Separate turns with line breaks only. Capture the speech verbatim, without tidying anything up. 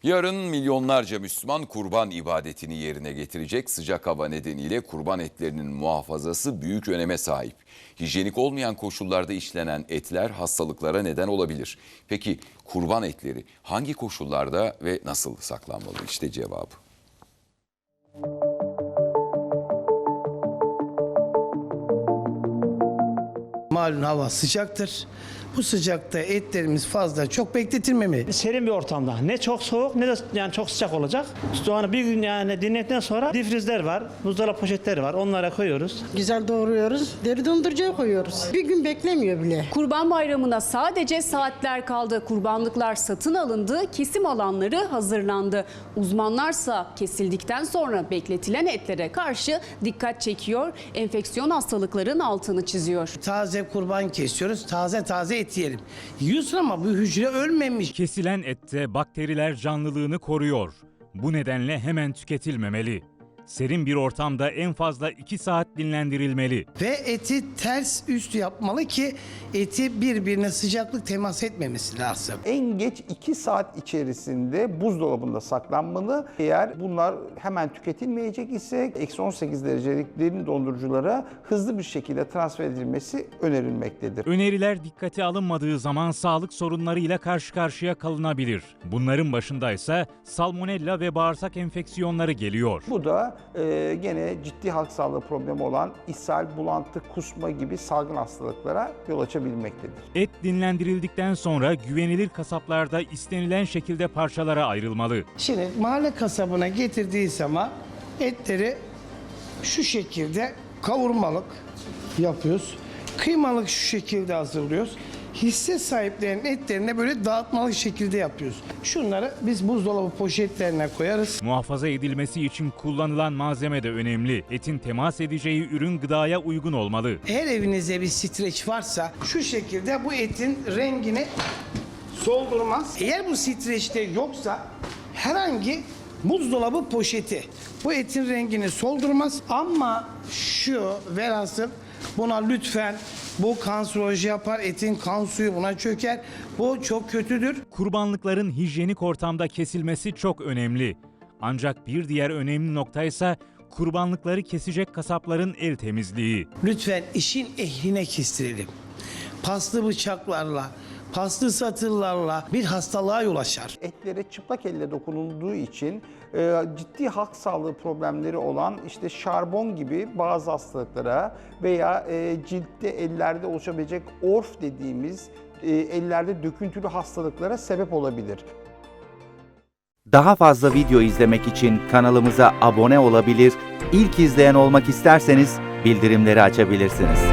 Yarın milyonlarca Müslüman kurban ibadetini yerine getirecek. Sıcak hava nedeniyle kurban etlerinin muhafazası büyük öneme sahip. Hijyenik olmayan koşullarda işlenen etler hastalıklara neden olabilir. Peki kurban etleri hangi koşullarda ve nasıl saklanmalı? İşte cevabı.
Malum hava sıcaktır. Bu sıcakta etlerimiz fazla çok bekletilmemeli.
Serin bir ortamda. Ne çok soğuk ne de yani çok sıcak olacak. Soğanı bir gün yani dinledikten sonra difrizler var, buzdolabı poşetleri var. Onlara koyuyoruz.
Güzel doğruyoruz. Deri dondurucuya koyuyoruz. Bir gün beklemiyor bile.
Kurban Bayramı'na sadece saatler kaldı. Kurbanlıklar satın alındı, kesim alanları hazırlandı. Uzmanlarsa kesildikten sonra bekletilen etlere karşı dikkat çekiyor, enfeksiyon hastalıkların altını çiziyor.
Taze kurban kesiyoruz. Taze taze et yiyelim. Yiyorsun ama bu hücre ölmemiş.
Kesilen ette bakteriler canlılığını koruyor. Bu nedenle hemen tüketilmemeli. Serin bir ortamda en fazla iki saat dinlendirilmeli.
Ve eti ters üst yapmalı ki eti birbirine sıcaklık temas etmemesi lazım.
En geç iki saat içerisinde buzdolabında saklanmalı. Eğer bunlar hemen tüketilmeyecek ise eksi on sekiz derecelik derin donduruculara hızlı bir şekilde transfer edilmesi önerilmektedir.
Öneriler dikkate alınmadığı zaman sağlık sorunlarıyla karşı karşıya kalınabilir. Bunların başında ise salmonella ve bağırsak enfeksiyonları geliyor.
Bu da e, gene ciddi halk sağlığı problemi olan ishal, bulantı, kusma gibi salgın hastalıklara yol açabilmektedir.
Et dinlendirildikten sonra güvenilir kasaplarda istenilen şekilde parçalara ayrılmalı.
Şimdi mahalle kasabına getirdiği zaman etleri şu şekilde kavurmalık yapıyoruz. Kıymalık şu şekilde hazırlıyoruz. Hisse sahiplerinin etlerini böyle dağıtmalı şekilde yapıyoruz. Şunları biz buzdolabı poşetlerine koyarız.
Muhafaza edilmesi için kullanılan malzeme de önemli. Etin temas edeceği ürün gıdaya uygun olmalı.
Eğer evinizde bir streç varsa şu şekilde bu etin rengini soldurmaz. Eğer bu streçte yoksa herhangi buzdolabı poşeti bu etin rengini soldurmaz. Ama şu velhasıl buna lütfen, bu kanserojen yapar, etin kan suyu buna çöker. Bu çok kötüdür.
Kurbanlıkların hijyenik ortamda kesilmesi çok önemli. Ancak bir diğer önemli nokta ise kurbanlıkları kesecek kasapların el temizliği.
Lütfen işin ehline kestirelim. Paslı bıçaklarla, paslı satırlarla bir hastalığa yol açar.
Etlere çıplak elle dokunulduğu için e, ciddi halk sağlığı problemleri olan işte şarbon gibi bazı hastalıklara veya e, ciltte ellerde oluşabilecek orf dediğimiz e, ellerde döküntülü hastalıklara sebep olabilir.
Daha fazla video izlemek için kanalımıza abone olabilir, ilk izleyen olmak isterseniz bildirimleri açabilirsiniz.